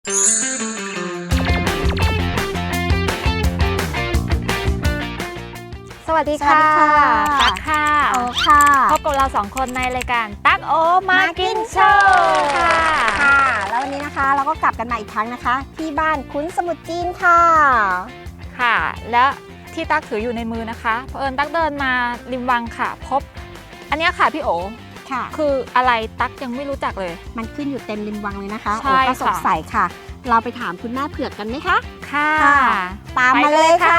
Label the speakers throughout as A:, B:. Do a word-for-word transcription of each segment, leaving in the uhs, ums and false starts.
A: สวัสดีค่ะตั๊กค่ะ
B: โอค่ะ
A: พบกับเราสองคนในรายการตั๊กโอมากินโชว์ค่ะ
B: ค่ะแล้ววันนี้นะคะเราก็กลับกันมาอีกครั้งนะคะที่บ้านคุ้นสมุทรจีนค่ะ
A: ค่ะและที่ตั๊กถืออยู่ในมือนะคะเผอิญตั๊กเดินมาริมวังค่ะพบอันนี้ค่ะพี่โอ
B: ค่ะ
A: คืออะไรตั๊กยังไม่รู้จักเลย
B: มันขึ้นอยู่เต็มริมวังเลยนะคะโอ
A: ใช่
B: ก็สง
A: ค่ะ
B: สัยค่ะเราไปถามคุณแม่เผือกกันไหมคะ
A: ค่ะ
B: ตามมาเลยค่ะ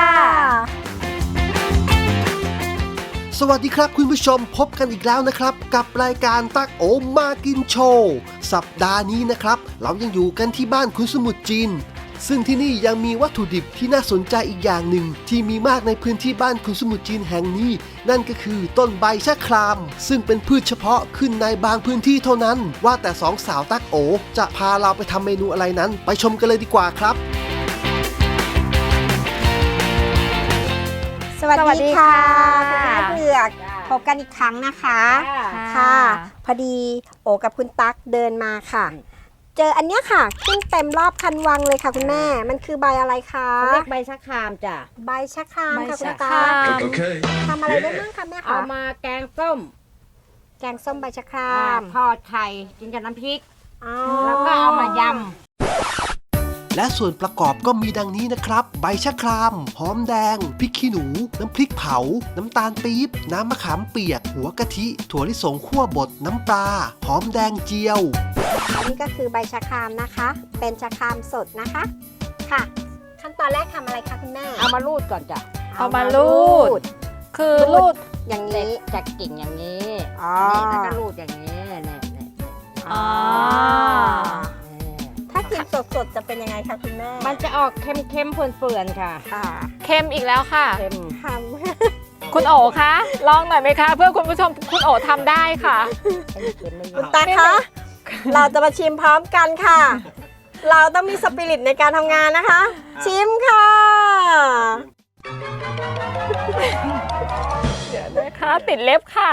C: สวัสดีครับคุณผู้ชมพบกันอีกแล้วนะครับกับรายการตั๊กโอมากินโชว์สัปดาห์นี้นะครับเรายังอยู่กันที่บ้านคุณสมุทรจีนซึ่งที่นี่ยังมีวัตถุดิบที่น่าสนใจอีกอย่างหนึ่งที่มีมากในพื้นที่บ้านคุณสมุทรจีนแห่งนี้นั่นก็คือต้นใบชะครามซึ่งเป็นพืชเฉพาะขึ้นในบางพื้นที่เท่านั้นว่าแต่สองสาวตั๊กโอจะพาเราไปทำเมนูอะไรนั้นไปชมกันเลยดีกว่าครับ
B: สวัสดีค่ะคุณแม่เผือกพบกันอีกครั้งนะคะค่ะพอดีโอกับคุณตั๊กเดินมาค่ะเจออันเนี้ยค่ะขึ้นเต็มรอบคันวังเลยค่ะคุณแม่มันคือใบอะไรคะ
D: เรียกใบชะครามจ้ะ
B: ใบชะครามค่ะคุณ
A: ใบชะค
B: ตั๊
A: ราก ม
B: ทำอะไรได้บ้างคะแม่คะ
D: เอามาแกงส้ม
B: แกงส้มใบชะคราม
D: ทอดไข่กินกับน้ำพริก
B: อ๋อ
D: แล้วก็เอามาย
C: และส่วนประกอบก็มีดังนี้นะครับใบชะครามหอมแดงพริกขี้หนูน้ำพริกเผาน้ำตาลปี๊บน้ำมะขามเปียกหัวกะทิถั่วลิสงคั่วบดน้ำปลาหอมแดงเจียว
B: นี่ก็คือใบชะครามนะคะ เป็นชะครามสดนะคะค่ะ ขั้นตอนแรกทำอะไรคะคุณแม่
D: ำเอามารูดก่อนจ้ะ
A: เอามารูดคือรูด
B: อย่าง
D: เด็ก
B: นี้
D: จากกิ่งอย่างนี้
B: อ๋อ
D: นี่แล้วก็รูดอย่างนี้เนี่ยเนี่ยเนี่ย
A: อ๋อ
B: ถ้ากินสดๆจะเป็นยังไงคะคุณแม่
D: มันจะออกเค็มๆเปื่อนๆค่ะ
B: ค่ะ
A: เค็มอีกแล้วค่ะ
D: เค็ม
B: ท
A: คุณโอคะลองหน่อยไหมคะ เพื่อคุณผู้ชมคุณโอทำได้ค่ะ
D: เค็มไม่
B: ำ
D: เย
B: คุณ
D: อะ
B: ตาคะเราจะมาชิมพร้อมกันค่ะ เราต้องมีสปิริตในการทำงานนะคะ ชิมค่ะ
A: เดี๋ยวนะคะติดเล็บค่ะ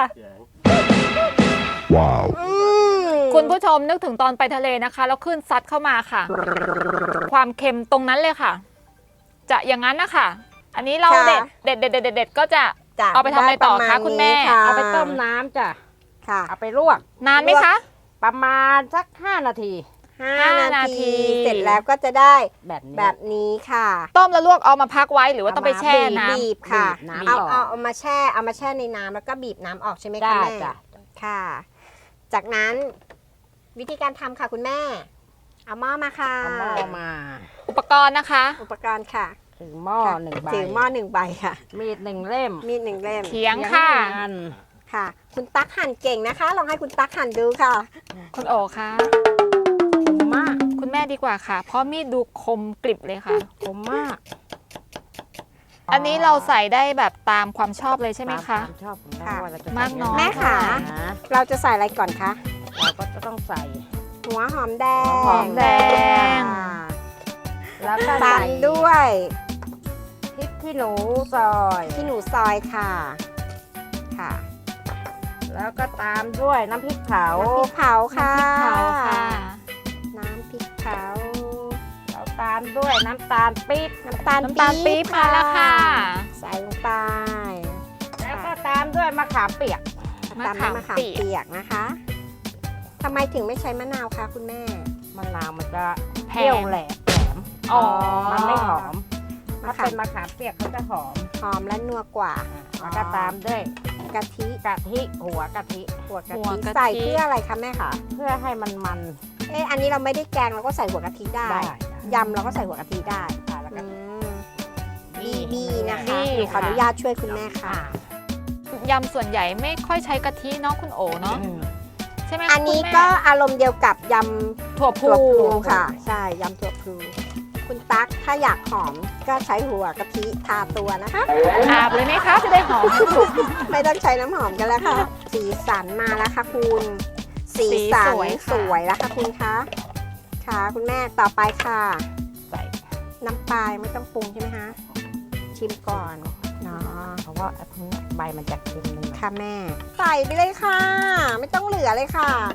B: อืม
A: คุณผู้ชมนึกถึงตอนไปทะเลนะคะแล้วขึ้นซัดเข้ามาค่ะ ความเค็มตรงนั้นเลยค่ะ จะอย่างนั้นนะคะอันนี้เราเด็ดเด็ดเด็ดเด็ดเด็ดก็จะ
B: จ้ะ
A: เอาไปทำอะไรต่อ
B: ด้ป
A: คะ
B: มาณ
A: คุณแม่
B: นี้ะ
D: เอาไปต้มน้ำจ้ะ
B: ค่ะ
D: เอาไปลวก
A: นานไหมคะ
D: ประมาณสักห้านาที
B: ห้า
A: ห้า
B: นา
A: นาที
B: ทีเสร็จแล้วก็จะได้
D: แบบนี้
B: แบบนี้ค่ะ
A: ต้มแล้วลวกเอามาพักไว้หรือว่าต้องไปแช่น้ำ
B: บีบค่ะ
D: บีบน้ำ
B: เอา
D: ออก
B: เอาเอามาแช่เอามาแช่ในน้ำแล้วก็บีบน้ำออกใช่ไหมคะ
D: ได้
B: แม่
D: จ้ะ
B: ค่ะ จากนั้นวิธีการทำค่ะคุณแม่ เอาหม้อมาค่ะ
D: เอาหม้อมา
A: อุปกรณ์นะคะ
B: อุปกรณ์ค่ะ
D: ถือหม้อหนึ่งใบ
B: ถือหม้อหนึ่งใบค่ะ
D: มีดหนึ่งเล่ม
B: มีดหนึ่งเล่ม
A: เขียงค่ะ
D: เขียงหนึ่งอัน
B: ค่ะ คุณตั๊กหั่นเก่งนะคะ ลองให้คุณตั๊กหั่นดูค่ะ
A: คุณโอคะ
D: คมมาก
A: คุณแม่ดีกว่าค่ะ เพราะมีดดูคมกริบเลยค่ะ
D: คมมาก
A: อันนี้เราใส่ได้แบบตามความชอบเลยใช่ไหมคะ
D: ตามชอบของเรา
B: ค่ะ
D: ว่าเราจะ
A: มากน้อย
B: แม่ค่ะ
D: นะ
B: เราจะใส่อะไรก่อนคะ
D: เราก็จะต้องใส่
B: หัวหอมแดง
D: หัวหอมแดง
B: ค่ะ
D: แล้วก็
B: ตา
D: ใส่
B: มด้วย
D: พริกขี้หนูซอย
B: ที่หนูซอยค่ะ ค่ะ
D: แล้วก็ตามด้วยน้ำพริกเผา
B: น้ำพริกเผาค่ะ
A: น้ำพริกเผาค่ะ
B: น้ำพริกเผา
D: แล้วตามด้วยน้ำตาลปี๊บ
B: น้ำตาล
A: น้ำตาลปี๊บมาแล้วค่ะ
B: ใส่ลงไป
D: แล้วก็ตามด้วยมะขามเปียก
A: มะ
B: ตาม
A: ขาม
B: ด้วยมะขาม
A: เปียก
B: เปียกนะคะทำไมถึงไม่ใช้มะนาวคะคุณแม่
D: มะนาวมันจะ
A: แพ
D: เปรี้ยว
A: ง
D: แหลมแหลม
A: อ๋อ
D: มันไม่หอม
B: มะ
D: ถ้า
B: ขาม
D: เป็นมะขามเปียกเขาจะหอม
B: หอมและนัวกว่า
D: แล้วก็ตามด้วย
B: กะทิ
D: กะทิหัวกะทิ
B: หัวกะ
A: หัว
B: ทิ
A: กะทิ
B: ใส่เพื่ออะไรคะแม่คะ
D: เพื่อให้มันมัน
B: เอ๊ะอันนี้เราไม่ได้แกงเราก็ใส่หัวกะทิได้
D: ได้
B: ยำเราก็ใส่หัวกะทิได้
D: อ่าแล้วก็
B: อืมบีบีนะคะ
A: บี้
B: หนูขออนุญาตช่วยคุณแม่ค่ะ
A: ยำส่วนใหญ่ไม่ค่อยใช้กะทิเนาะคุณโอเนาะ
D: อืม
A: ใช่ไหมคะ
B: อันนี้
A: คุณแม่
B: ก็อารมณ์เดียวกับย
A: ถั่ว
B: ำ
A: พู
B: ถั่วพลูค่ะ ใช่ยำถั่วพลูคุณตั๊กถ้าอยากหอมก็ใช้หัวกะทิทาตัวนะคะ
A: อาบเลยไหมคะจะได้หอม
B: ไม่ต้องใช้น้ำหอมกันแล้วค่ะ สีสันมาแล้วค่ะคุณ สีสัน
A: สีสวยค่ะ
B: สวยแล้วค่ะคุณคะค่ะคุณแม่ต่อไปค่ะ
D: ใส่
B: น้ำปลาไม่ต้องปรุงใช่ไหมคะชิมก่อนเนาะ
D: เพราะว่าอันนี้ใบมันจะเค็มนิดหน่อย
B: ค่ะแม่ ใส่ไปเลยค่ะ ไม่ต้องเหลือเลยค่ะ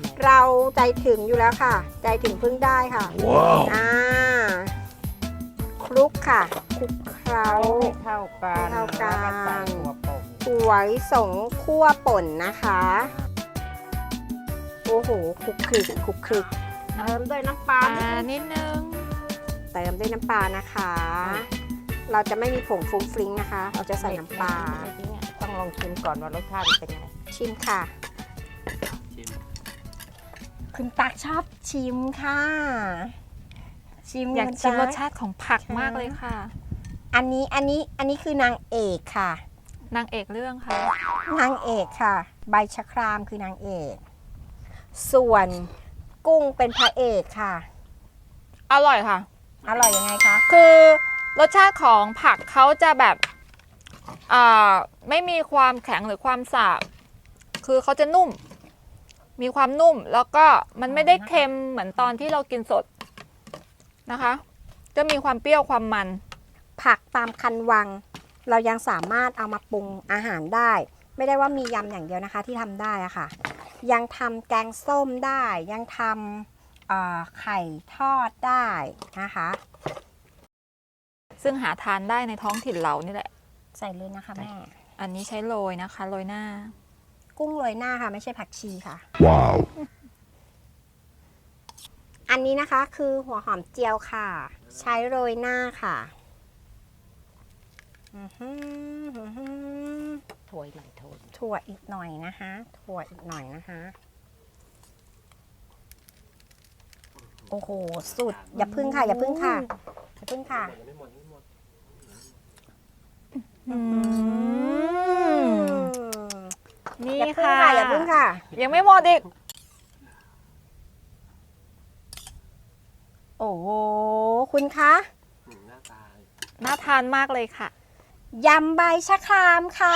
B: เราใจถึงอยู่แล้วค่ะ ใจถึงพึ่งได้ค่ะ
C: ว้าว
B: อ่าคลุกค่ะคลุกเคล้า
D: เท่ากัน
B: เท่ากัน
D: แล้วใส่หัวป่น
B: ถั่วลิสงคั่วป่นนะคะ โอ้โหคลุกคลิกคลุกคลิก
D: เติมด้วยน้ำปลา
A: ปลา
D: นิดนึง
A: นิดนึง
B: เติมด้วยน้ำปลานะคะ เราจะไม่มีผงฟรุ้งฟริ้งนะคะ เราจะใส่น้ำปลา
D: ต้องลองชิมก่อนว่ารสชาติเป็นไง
B: ชิมค่ะ คุณตักชอบชิมค่ะ ชิม
A: อยาก
B: คุณ
A: ชิมร
B: ตั๊
A: สชาติของผักมากเลยค่ะ
B: อันนี้อันนี้อันนี้คือนางเอกค่ะ
A: นางเอกเรื่องค่ะ
B: นางเอกค่ะ ใบชะครามคือนางเอก ส่วนกุ้งเป็นพระเอกค่ะ
A: อร่อยค่ะ
B: อร่อยยังไงคะ
A: คือรสชาติของผักเขาจะแบบอ่าไม่มีความแข็งหรือความสาบคือเขาจะนุ่ม มีความนุ่มแล้วก็มันไม่ได้เค็มเหมือนตอนที่เรากินสดนะคะ จะมีความเปรี้ยวความมัน
B: ผักตามคันวัง เรายังสามารถเอามาปรุงอาหารได้ ไม่ได้ว่ามียำอย่างเดียวนะคะที่ทำได้อะค่ะ ยังทำแกงส้มได้ ยังทำเอ่อไข่ทอดได้นะคะ
A: ซึ่งหาทานได้ในท้องถิ่นเรานี่แหละ
B: ใส่เลยนะคะแม่
A: อันนี้ใช้โรยนะคะโรยหน้า
B: กุ้งโรยหน้าค่ะ ไม่ใช่ผักชีค่ะ
C: ว้าว
B: อันนี้นะคะคือหัวหอมเจียวค่ะ ใช้โรยหน้าค่ะอื้อหือหือหือ
D: ถ้วยหน่อยถ้วย
B: ถั่วอีกหน่อยนะคะ ถั่วอีกหน่อยนะคะ โอ้โห สุด อย่าพึ่งค่ะ อย่าพึ่งค่ะ อย่าพึ่งค่ะ
A: อืม นี่
B: อย่าพึ่ง
A: ค่ะ
B: ค่ะ อย่าพึ่งค่ะ
A: ยังไม่หมดอีก
B: โอ้โห คุณคะ
A: น่าทานมากเลยค่ะ
B: ยำใบชะครามค่ะ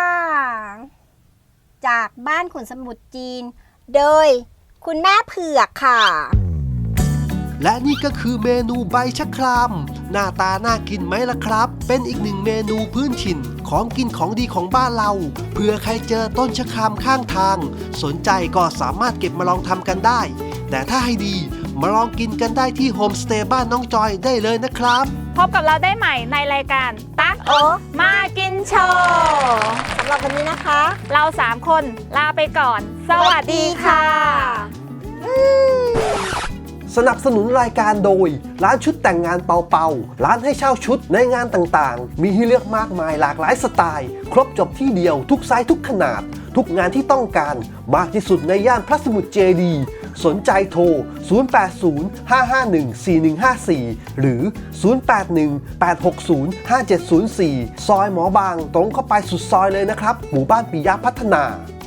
B: จากบ้านขุนสมุทรจีน โดยคุณแม่เผือกค่ะ
C: และนี่ก็คือเมนูใบชะคราม หน้าตาน่ากินไหมล่ะครับ เป็นอีกหนึ่งเมนูพื้นถิ่นของกินของดีของบ้านเราเผื่อใครเจอต้นชะครามข้างทาง สนใจก็สามารถเก็บมาลองทำกันได้ แต่ถ้าให้ดีมาลองกินกันได้ที่โฮมสเตย์บ้านน้องจอยได้เลยนะครับ
A: พบกับเราได้ใหม่ในรายการตัก
B: โอ้
A: มากินโชว์
B: สำหรับวันนี้นะคะ
A: เราสามคนลาไปก่อน สวัสดีค่ะ
C: สนับสนุนรายการโดย ร้านชุดแต่งงานเปาเปาร้านให้เช่าชุดในงานต่างๆ มีให้เลือกมากมายหลากหลายสไตล์ ครบจบที่เดียวทุกไซส์ทุกขนาด ทุกงานที่ต้องการมากที่สุดในย่านพระสมุทรเจดีย์สนใจโทร ศูนย์ แปด ศูนย์ ห้า ห้า หนึ่ง สี่ หนึ่ง ห้า สี่ หรือ ศูนย์ แปด หนึ่ง แปด หก ศูนย์ ห้า เจ็ด ศูนย์ สี่ ซอยหมอบางตรงเข้าไปสุดซอยเลยนะครับ หมู่บ้านปิยะพัฒนา